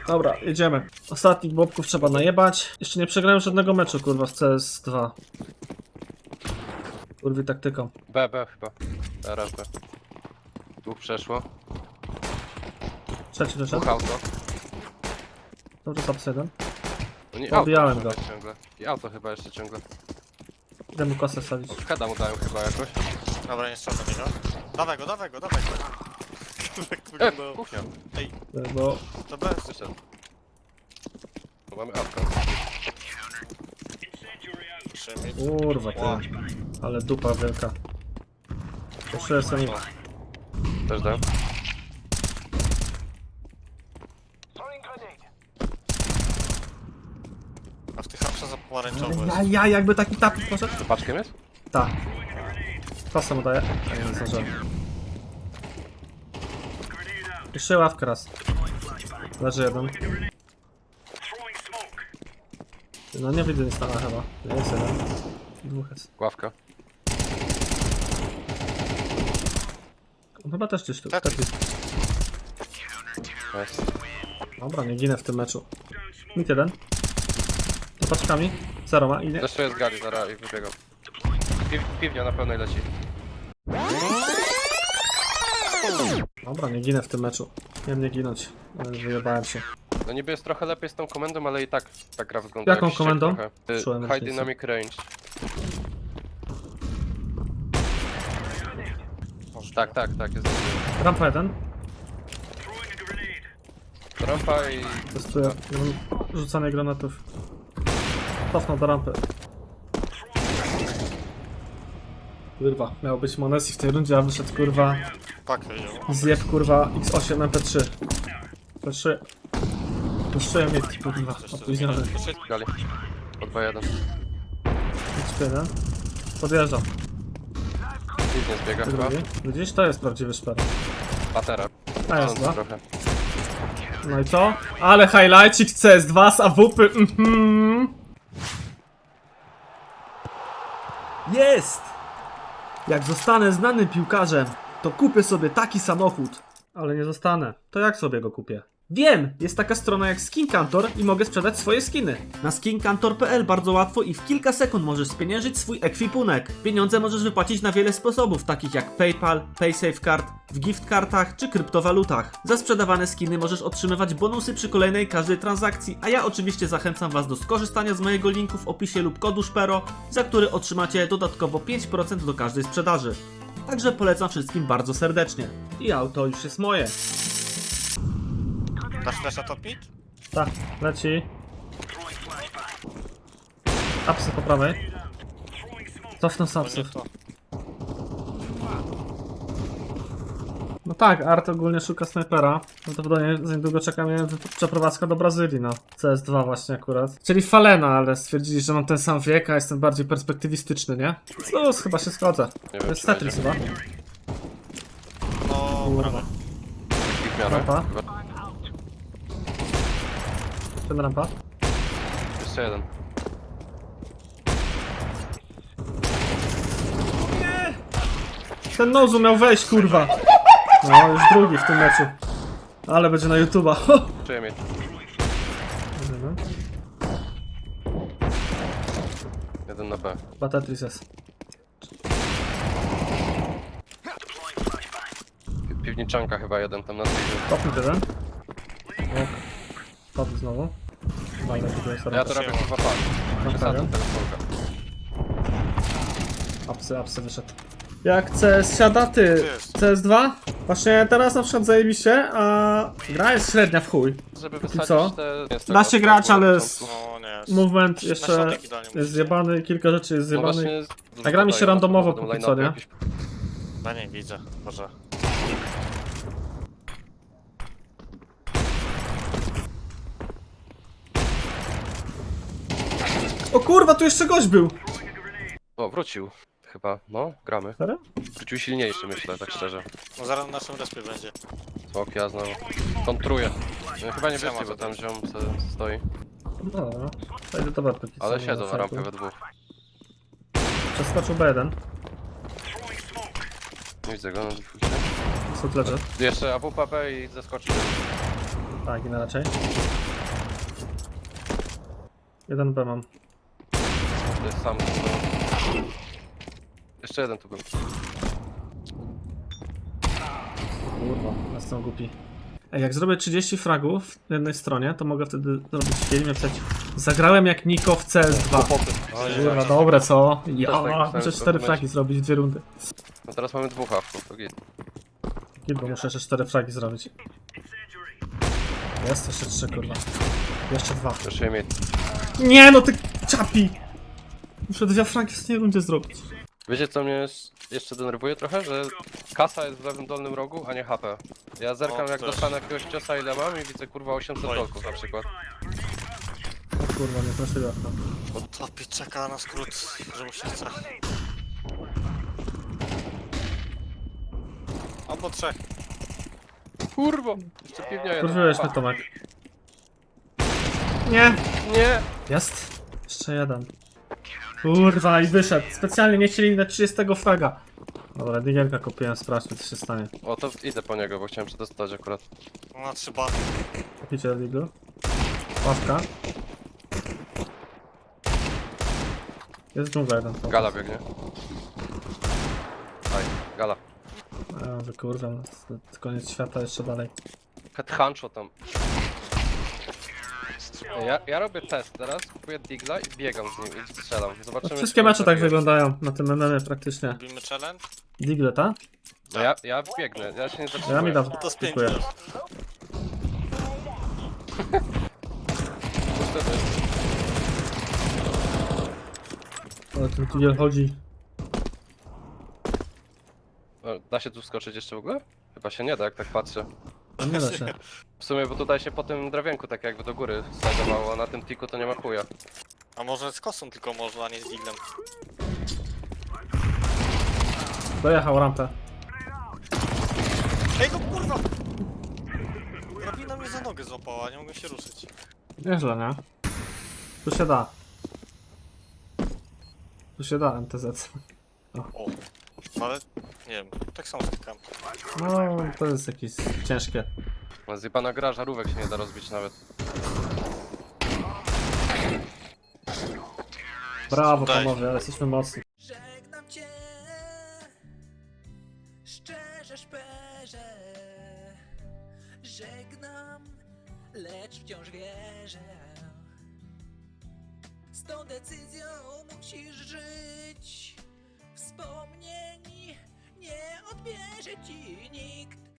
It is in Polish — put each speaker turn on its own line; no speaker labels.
Dobra, jedziemy. Ostatnich bobków trzeba najebać. Jeszcze nie przegrałem żadnego meczu, kurwa, w CS2. Kurwy taktyką.
B chyba. Teraz B. Dwóch przeszło.
Trzeci
Dwóch
wyszedł.
auto.
Dobrze, top 1.
No nie,
Pobijałem
auto
go.
chyba ciągle. I auto chyba jeszcze ciągle.
Idę mu kosę sadzić.
Heada mu dają chyba jakoś.
Dobra, nie strzelam do niego. Dawaj go, dawaj go, dawaj go.
Kuchnia.
Ej,
Bo
to bez.
Wyszedł. Tu mamy auto.
Trzymaj.
kurwa ty. Ale dupa wielka. Jeszcze jestem.
Też dałem.
A w tych hapsach za pomarańczowo jest.
Ja jakby taki tapik poszedł.
To paczkiem jest?
Tak. Kosę mu daję. A nie zdążyłem. Jeszcze ławkę raz. Leży jeden. No nie widzę nic tam chyba. Jest jeden. Dwóch jest.
Ławka.
On chyba też gdzieś tu.
Tak.
Taki.
Jest.
Dobra, nie ginę w tym meczu. Mit jeden. To paczkami. Zero ma i nie.
Zresztą jest gali, zaraz i wybiegam. Piwnia na pełnej leci.
Dobra, nie ginę w tym meczu. Miałem nie ginąć. Ale wyjebałem się.
No niby jest trochę lepiej z tą komendą, ale i tak ta gra wygląda
Jaką
jak ściek
komendą?
trochę.
Czułem
High
różnicę.
Dynamic Range. Tak, jest.
Rampa jeden.
Rampa i...
Testuję. Rzucanie granatów. Cofnął do rampy. Kurwa, miał być Monesi w tej rundzie, a wyszedł kurwa.
Pak wiedział.
Zjeb kurwa X8 MP3. MP3. Puszczyłem mitki kurwa. Opóźniony.
Gali. Po 2-1.
X1. Podjeżdżam.
Piwnie zbiega chyba.
Drugi. Widzisz? To jest prawdziwy szper.
Patera.
A jest dwa.
Trochę.
No i co? Ale highlightcik CS2 z AWP. Jest! Jak zostanę znanym piłkarzem, to kupię sobie taki samochód. Ale nie zostanę. To jak sobie go kupię? Wiem! Jest taka strona jak SkinCantor i mogę sprzedać swoje skiny. Na skincantor.pl bardzo łatwo i w kilka sekund możesz spieniężyć swój ekwipunek. Pieniądze możesz wypłacić na wiele sposobów, takich jak PayPal, PaySafeCard, w giftkartach czy kryptowalutach. Za sprzedawane skiny możesz otrzymywać bonusy przy kolejnej każdej transakcji, a ja oczywiście zachęcam Was do skorzystania z mojego linku w opisie lub kodu SPERO, za który otrzymacie dodatkowo 5% do każdej sprzedaży. Także polecam wszystkim bardzo serdecznie. I auto już jest moje.
Dasz flasha top mid?
Tak, leci. Apsy po prawej. Cofnę z
To nie
apsów.
to.
No tak, Art ogólnie szuka snajpera. Prawdopodobnie za niedługo czeka mnie przeprowadzka do Brazylii, no. CS2 właśnie akurat. Czyli Falena, ale stwierdzili, że mam ten sam wiek, a jestem bardziej perspektywistyczny, nie? No, chyba się zgodzę.
Nie
To
wiem,
jest
czy
Tetris chyba.
No, brawo.
I w miarę.
Rampa.
Chyba.
Ten rampa.
Jeszcze jeden.
Ten Nozu miał wejść, kurwa. No, już drugi w tym meczu. Ale będzie na YouTube'a.
Czuję mnie. Jeden na B.
Chyba Tetris jest.
Piwniczanka chyba jeden tam na drzwi.
Kopnij jeden. Ok. Padł znowu. Fajne, to jest
Ja to robię chyba pan. Przesadzam tego smoka.
Apsy wyszedł. Jak CS siada, ty? CS2? Właśnie teraz na przykład zajebiście, a gra jest średnia w chuj.
Żeby
Póki
wysadzić
co?
te...
Da się grać, ale
No nie.
movement
Na
jeszcze
środek idealnie
jest
musisz.
zjebany, kilka rzeczy jest
No
zjebany.
właśnie...
A gra mi się randomowo póki co, nie?
No nie widzę, może.
O kurwa, tu jeszcze gość był!
O, wrócił. Chyba, no, gramy.
Serio?
Wrócił silniejszy, myślę, tak szczerze.
No zaraz na naszym respie będzie.
Smok, ja znowu. Kontruję. No, chyba nie wyszli, bo tam ziom stoi.
No dobra. To idę do barpy.
Ale siedzą na rampie we dwóch.
Przeskoczył B1.
Nie widzę go na defaulcie.
Sut leży.
Jeszcze AWP i zeskoczył.
Tak, inna raczej. 1B mam.
To jest sam. Jeszcze jeden tu był.
Kurwa, jestem głupi. Ej, jak zrobię 30 fragów w jednej stronie, to mogę wtedy zrobić film i napisać: zagrałem jak Niko w CS2. Kurwa, dobre co? Ja
tak myślałem,
muszę
że
4
to
fragi zrobić w 2 rundy.
No teraz mamy 2 hawków, to git.
Bo muszę jeszcze 4 fragi zrobić. Jest jeszcze 3, kurwa. Jeszcze 2.
Proszę mieć.
Nie no, ty czapi! Muszę 2 fragi w tej rundzie zrobić.
Wiecie co mnie jeszcze denerwuje trochę? Że kasa jest w lewym dolnym rogu, a nie HP. Ja zerkam
O,
jak
też.
dostanę jakiegoś ciosa ile mam i widzę kurwa 800
Oj.
dolków na przykład.
O kurwa, nie proszę.
Topit czeka na skrót, że mu się chce. Albo 3.
Kurwa! Jeszcze piwnia jeden.
Kurwiłeś mnie, Tomek. Nie!
Nie!
Jest! Jeszcze jeden. Kurwa, i wyszedł. Specjalnie nie chcieli na 30 fraga. Dobra, digielka kupiłem, sprawdźmy co się stanie.
O to idę po niego, bo chciałem przetestać akurat.
Na 3 bany.
Kupicie diglu. Ławka. Jest dżungla jeden.
Gala biegnie. Aj, gala.
Kurwa, koniec świata jeszcze dalej.
Headhuncho tam. Ja robię test teraz, kupuję digla i biegam z nim i strzelam. Zobaczymy.
Wszystkie
czy
mecze tak
trafię.
wyglądają na tym MMie praktycznie.
Robimy challenge?
Digle, ta?
No ja biegnę, ja się nie zatrzymuję.
Ja mi dam.
To z 5
Dziękuję. Ale ten digiel chodzi.
Da się tu wskoczyć jeszcze w ogóle? Chyba się nie da, jak tak patrzę.
A nie da się.
W sumie, bo tutaj się po tym drewienku tak jakby do góry slajdowało, a na tym tiku to nie ma chuja.
A może z kosą tylko można, a nie z diglem.
Dojechał rampę.
Ej no kurwa! Drabina mnie za nogę złapała, nie mogę się ruszyć.
Nieźle, nie? Tu się da. Tu się da MTZ.
O, ale nie wiem, tak samo stykam.
No, to jest jakieś ciężkie.
Zjebana gra, żarówek się nie da rozbić nawet.
Brawo
Daj.
panowie, ale jesteśmy mocni.
Żegnam cię, szczerze, szperze. Żegnam, lecz wciąż wierzę. Z tą decyzją musisz żyć. Wspomnień nie odbierze ci nikt.